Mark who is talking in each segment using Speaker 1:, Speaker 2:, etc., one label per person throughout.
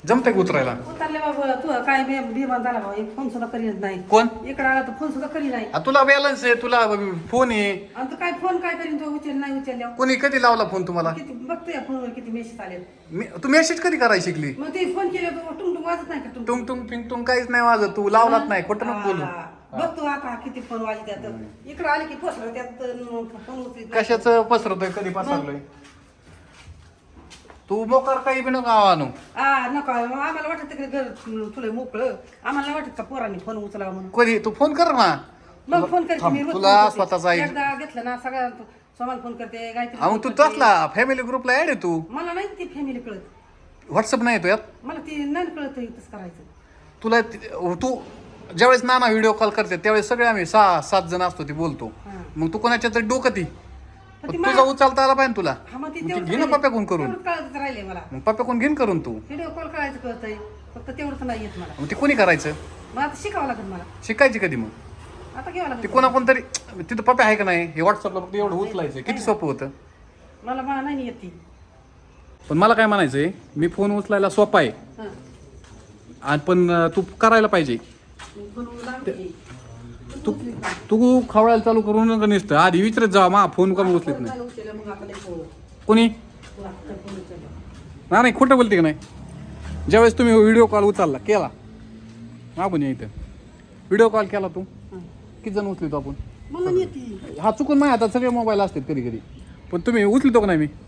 Speaker 1: जमतंय का उतरायला?
Speaker 2: उतरले बाबा तू काय बेमान झाला बाबा एक फोन सुद्धा करीत नाही.
Speaker 1: कोण?
Speaker 2: इकडे आला तर फोन सुद्धा करी नाही.
Speaker 1: तुला बॅलन्स आहे, तुला फोन आहे.
Speaker 2: आणि तू काय फोन काय करीन तो उचल नाही उचलल्या.
Speaker 1: कोणी कधी लावला फोन तुम्हाला?
Speaker 2: किती बघतोय फोनवर किती मेसेज आले.
Speaker 1: तू मेसेज कधी करायला शिकली?
Speaker 2: मग ते फोन केलं तर टुंग वाजत नाही का टुंग
Speaker 1: टुंग टुंग पिंग टुंग काहीच नाही वाजत. तू लावलाच नाही, खोटं नको बोलू.
Speaker 2: बघतो आता किती फोन वाजले त्यात. इकडे आले की फसलं त्यात फोन उचलत.
Speaker 1: कशाचं पसरतोय, कधी पसरलोय? तू मोकार काही बी नको आणू.
Speaker 2: नको आम्हाला वाटत तिकडे घर तुला मोकळं. आम्हाला वाटत का पोरांनी फोन उचलावा म्हणून.
Speaker 1: कधी तू फोन कर ना.
Speaker 2: मग फोन करते मी रोज
Speaker 1: तुला
Speaker 2: फोन करते.
Speaker 1: स्वतःचा आहे.
Speaker 2: एकदा घेतलं ना सगळ्या सोमाला फोन करते गायत्री
Speaker 1: मग तू तसला फॅमिली ग्रुपला ऍड आहे तू.
Speaker 2: मला नाही ती फॅमिली कळत.
Speaker 1: व्हॉट्सअप नाही येतो यात.
Speaker 2: मला ती नाही कळत तसं करायचं.
Speaker 1: तुला तू ज्यावेळेस नाना व्हिडिओ कॉल करते त्यावेळेस सगळे आम्ही 6-7 जण असतो ती बोलतो.
Speaker 2: हा.
Speaker 1: मग तू कोणाच्या तरी डोकं ती
Speaker 2: पण ती
Speaker 1: तुझा उचलता आला पाहिजे तुला.
Speaker 2: हा मग ती
Speaker 1: मग ती
Speaker 2: तेवढंच
Speaker 1: घे ना
Speaker 2: राहिलंय.
Speaker 1: पप्प्याकडून करून.
Speaker 2: तेवढंच कळतच राहिले मला.
Speaker 1: मग पप्प्याकडून घेऊन करून तू.
Speaker 2: व्हिडिओ कॉल करायचं कळतंय फक्त तेवढंच नाही येत मला.
Speaker 1: मग ते कोणी करायचं?
Speaker 2: मग आता शिकावं लागेल मला.
Speaker 1: शिकायची कधी मग?
Speaker 2: आता घ्यावं
Speaker 1: ते
Speaker 2: लागेल.
Speaker 1: कोणा कोणतरी तिथं पप्पा आहे का नाही? हे व्हॉट्सअपला फक्त एवढं उचलायचं किती सोपं होतं.
Speaker 2: मला नाही येत ती.
Speaker 1: पण मला काय म्हणायचंय, मी फोन उचलायला सोपा आहे
Speaker 2: हा.
Speaker 1: आणि पण तू करायला पाहिजे.
Speaker 2: बनवून लागते.
Speaker 1: तू खवळायला चालू करून नका नुसतं. आधी विचारत जा मा फोन कमी उचलत नाही.
Speaker 2: मग आता लय पोळ.
Speaker 1: कोणी?
Speaker 2: तुला आता फोन उचलला.
Speaker 1: नाही खोटं बोलते का नाही? ज्यावेळेस तुम्ही व्हिडिओ कॉल उचलला केला मागून या इथं व्हिडिओ कॉल केला तू
Speaker 2: हा.
Speaker 1: किती जण उचलितो आपण?
Speaker 2: मला नाही येते.
Speaker 1: हा चुकून नाही, आता सगळे मोबाईल असतात कधी कधी. पण तुम्ही उचलितो का नाही? मी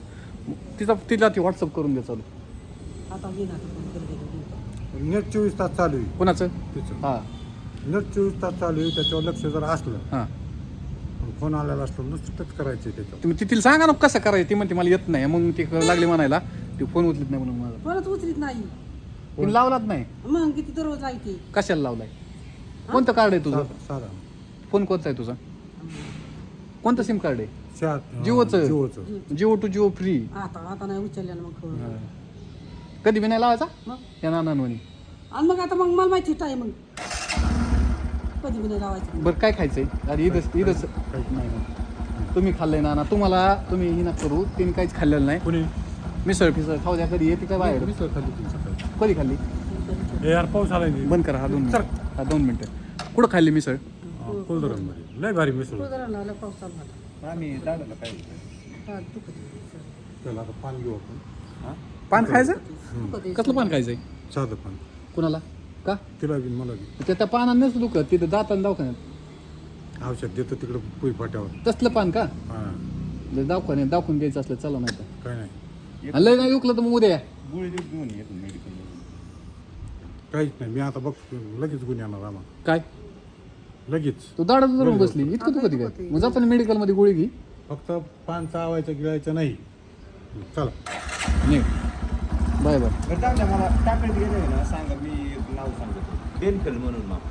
Speaker 1: तिला ती व्हॉट्सअप करून दे चालू.
Speaker 2: आता घे ना आता फोन करू दे.
Speaker 3: नेट 24 तास चालू आहे
Speaker 1: कोणाचं?
Speaker 3: तिचं.
Speaker 1: हां
Speaker 3: नेट 24 तास चालू आहे, त्याच्यावर लक्ष जर असलं
Speaker 1: हां
Speaker 3: फोन आलेला असलो नुसतंच करायचं त्याच्यावर.
Speaker 1: तुम्ही तिला सांगा ना कसं करायचं. ती म्हणते मला येत नाही, मग ती लागली म्हणायला ती फोन उचलत नाही म्हणून. मला
Speaker 2: परत उचलीत नाही.
Speaker 1: तिने लावलाच नाही.
Speaker 2: मग किती दररोज लागते.
Speaker 1: कशाला लावलाय? कोणतं कार्ड आहे तुझं?
Speaker 3: साधा
Speaker 1: फोन कोणता आहे तुझा? कोणतं सिम कार्ड आहे?
Speaker 3: जिओचं.
Speaker 1: Jio to Jio free.
Speaker 2: आता नाही उचलल्यानं मग कळलं.
Speaker 1: कधी बी नाही लावायचा
Speaker 2: मग
Speaker 1: या नानांवनी.
Speaker 2: आणि मग आता मग मला माहिती आहे मग कधी बी नाही लावायचं.
Speaker 1: बरं काय खायचंय? अरे इथंच नाही. तुम्ही खाल्लंय नाना. तुम्ही ही ना करू. तिने काहीच खाल्लेलं नाही.
Speaker 3: कुणी
Speaker 1: मिसळ फिसळ खाऊ द्या. कधी येते काय बाहेर?
Speaker 3: मिसळ खाल्ली तुमचं काय?
Speaker 1: कधी खाल्ली?
Speaker 3: हे यार पाऊस आलाय नाही.
Speaker 1: बंद करा. हा 2 मिनिटं. हा 2 मिनिटं. कुठं खाल्ली मिसळ?
Speaker 3: कुलधरणमध्ये लय भारी मिसळ.
Speaker 2: कुलधरणला लय पाऊस चालू झाला.
Speaker 1: आम्ही दादाला काय
Speaker 2: हा, दुखत आहे.
Speaker 3: चला आता पान घेऊ आपण.
Speaker 1: पान खायचं?
Speaker 2: दुखत आहे.
Speaker 1: कसलं पान खायचंय?
Speaker 3: साधं पान.
Speaker 1: कुणाला? का?
Speaker 3: तिला बी मला बी
Speaker 1: त्या पानानं नसतं दुखत. तिथं जाताना दवाखान्यात
Speaker 3: औषध देतो तिकडं पुई फाट्यावर.
Speaker 1: तसलं पान का?
Speaker 3: हां
Speaker 1: दवाखान्यात दाखवून घ्यायचं असलं चला नाही तर.
Speaker 3: काय नाही
Speaker 1: आणि लय नाही दुखलं तर मग उद्या या.
Speaker 3: काहीच नाही. मी आता बघ लगेच गुण येणार आम्हाला
Speaker 1: काय?
Speaker 3: लगेच.
Speaker 1: तू दाडात धरून बसली इतकं दुखत काय? मग जाताना मेडिकल मध्ये गोळी घे.
Speaker 3: फक्त पान चावायचं गिळायचं नाही. चला
Speaker 1: नाही बाय बाय.
Speaker 4: मला टाकळीत गेले ना सांगा, मी नाव सांगतो बेनकल म्हणून नाव.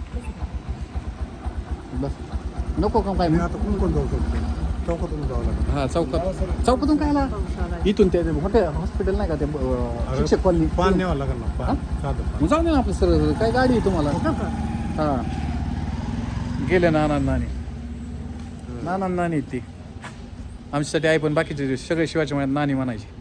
Speaker 1: बस नको का काय?
Speaker 3: मी आता कोण जाऊ शकतो? चौकातून जावं लागेल.
Speaker 1: हा चौकातून काय आला? इथून ते हॉटेल हॉस्पिटल नाही का ते शिक्षक कॉलनी?
Speaker 3: पान न्यावं लागेल ना. पान साधं पान.
Speaker 1: मग जाऊ दे ना आपलं सर. काय गाडी आहे तुम्हाला? हा गेले नाना नानी ती आमच्यासाठी आहे. पण बाकीचे सगळे शिवाजी महाराज नानी म्हणायचे.